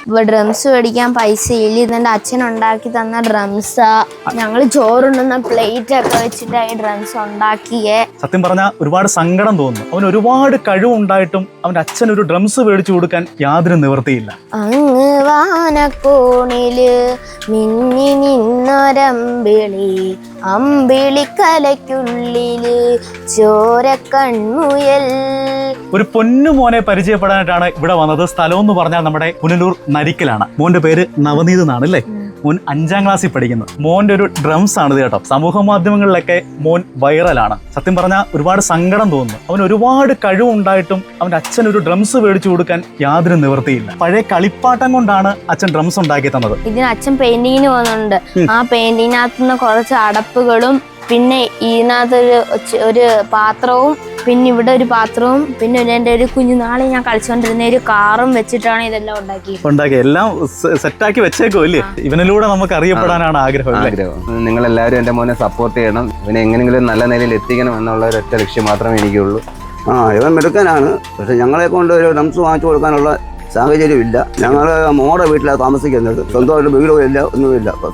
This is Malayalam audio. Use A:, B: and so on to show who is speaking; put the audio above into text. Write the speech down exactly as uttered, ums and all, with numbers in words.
A: ഡ്രംസ് മേടിക്കാൻ പൈസ ഇല്ല. ഇതെന്റെ അച്ഛൻ ഉണ്ടാക്കി തന്ന ഡ്രംസാ. ഞങ്ങൾ ചോറുണ്ടുന്ന പ്ലേറ്റ് ഒക്കെ വെച്ചിട്ടായി ഡ്രംസ് ഉണ്ടാക്കിയേ.
B: സത്യം പറഞ്ഞാൽ ഒരുപാട് സങ്കടം തോന്നുന്നു. അവൻ ഒരുപാട് കഴിവുണ്ടായിട്ടും അവന്റെ അച്ഛൻ ഒരു ഡ്രംസ് മേടിച്ചു കൊടുക്കാൻ യാതൊരു നിവൃത്തിയില്ല.
A: അങ്ങ് വാനക്കോണില് മിന്നി നിന്നൊരമ്പിളി, അമ്പിളിക്കലയ്ക്കുള്ളില് ചോരക്കൺമുയൽ.
B: ഒരു പൊന്നു മോനെ പരിചയപ്പെടാനായിട്ടാണ് ഇവിടെ വന്നത്. സ്ഥലം എന്ന് പറഞ്ഞാൽ നമ്മുടെ പുനലൂർ നരിക്കലാണ്. മോന്റെ പേര് നവനീത് എന്നാണ് അല്ലേ? മോൻ അഞ്ചാം ക്ലാസ്സിൽ പഠിക്കുന്നത്. മോന്റെ ഒരു ഡ്രംസ് ആണ് ഇത് കേട്ടോ. സമൂഹ മാധ്യമങ്ങളിലൊക്കെ മോൻ വൈറലാണ്. സത്യം പറഞ്ഞാൽ ഒരുപാട് സങ്കടം തോന്നുന്നു. അവൻ ഒരുപാട് കഴിവുണ്ടായിട്ടും അവന്റെ അച്ഛൻ ഒരു ഡ്രംസ് മേടിച്ചു കൊടുക്കാൻ യാതൊരു നിവൃത്തിയില്ല. പഴയ കളിപ്പാട്ടം കൊണ്ടാണ് അച്ഛൻ ഡ്രംസ് ഉണ്ടാക്കി തന്നത്.
A: ഇതിന് അച്ഛൻ പെയിന്റിങ്ങിന് പോകുന്നുണ്ട്. ആ പെയിന്റിങ്ങിനകത്ത് നിന്ന് കുറച്ച് അടപ്പുകളും പിന്നെ ഇതിനകത്തൊരു ഒരു പാത്രവും പിന്നെ ഇവിടെ ഒരു പാത്രവും പിന്നെ എൻ്റെ ഒരു കുഞ്ഞുനാളെ ഞാൻ കളിച്ചുകൊണ്ടിരുന്ന ഒരു കാറും വെച്ചിട്ടാണ് ഇതെല്ലാം ഉണ്ടാക്കി
B: ഉണ്ടാക്കി എല്ലാം സെറ്റാക്കി വെച്ചേക്കോ ഇല്ലേ? ഇവനിലൂടെ നമുക്ക് അറിയപ്പെടാനാണ് ആഗ്രഹം.
C: ആഗ്രഹം നിങ്ങൾ എല്ലാവരും എൻ്റെ മോനെ സപ്പോർട്ട് ചെയ്യണം. ഇവനെ എങ്ങനെയെങ്കിലും നല്ല നിലയിൽ എത്തിക്കണം എന്നുള്ള ഒരു ഒറ്റ ലക്ഷ്യം മാത്രമേ എനിക്കുള്ളൂ.
D: ആ ഇവൻ മെടുക്കാനാണ്. പക്ഷെ ഞങ്ങളെ കൊണ്ട് ഒരു ഡ്രംസ് വാങ്ങിച്ചു കൊടുക്കാനുള്ള സാഹചര്യമില്ല. ഞങ്ങൾ മോടെ വീട്ടിലാണ് താമസിക്കുന്നത്. സ്വന്തമായിട്ട് വീടും ഇല്ല, ഒന്നുമില്ല.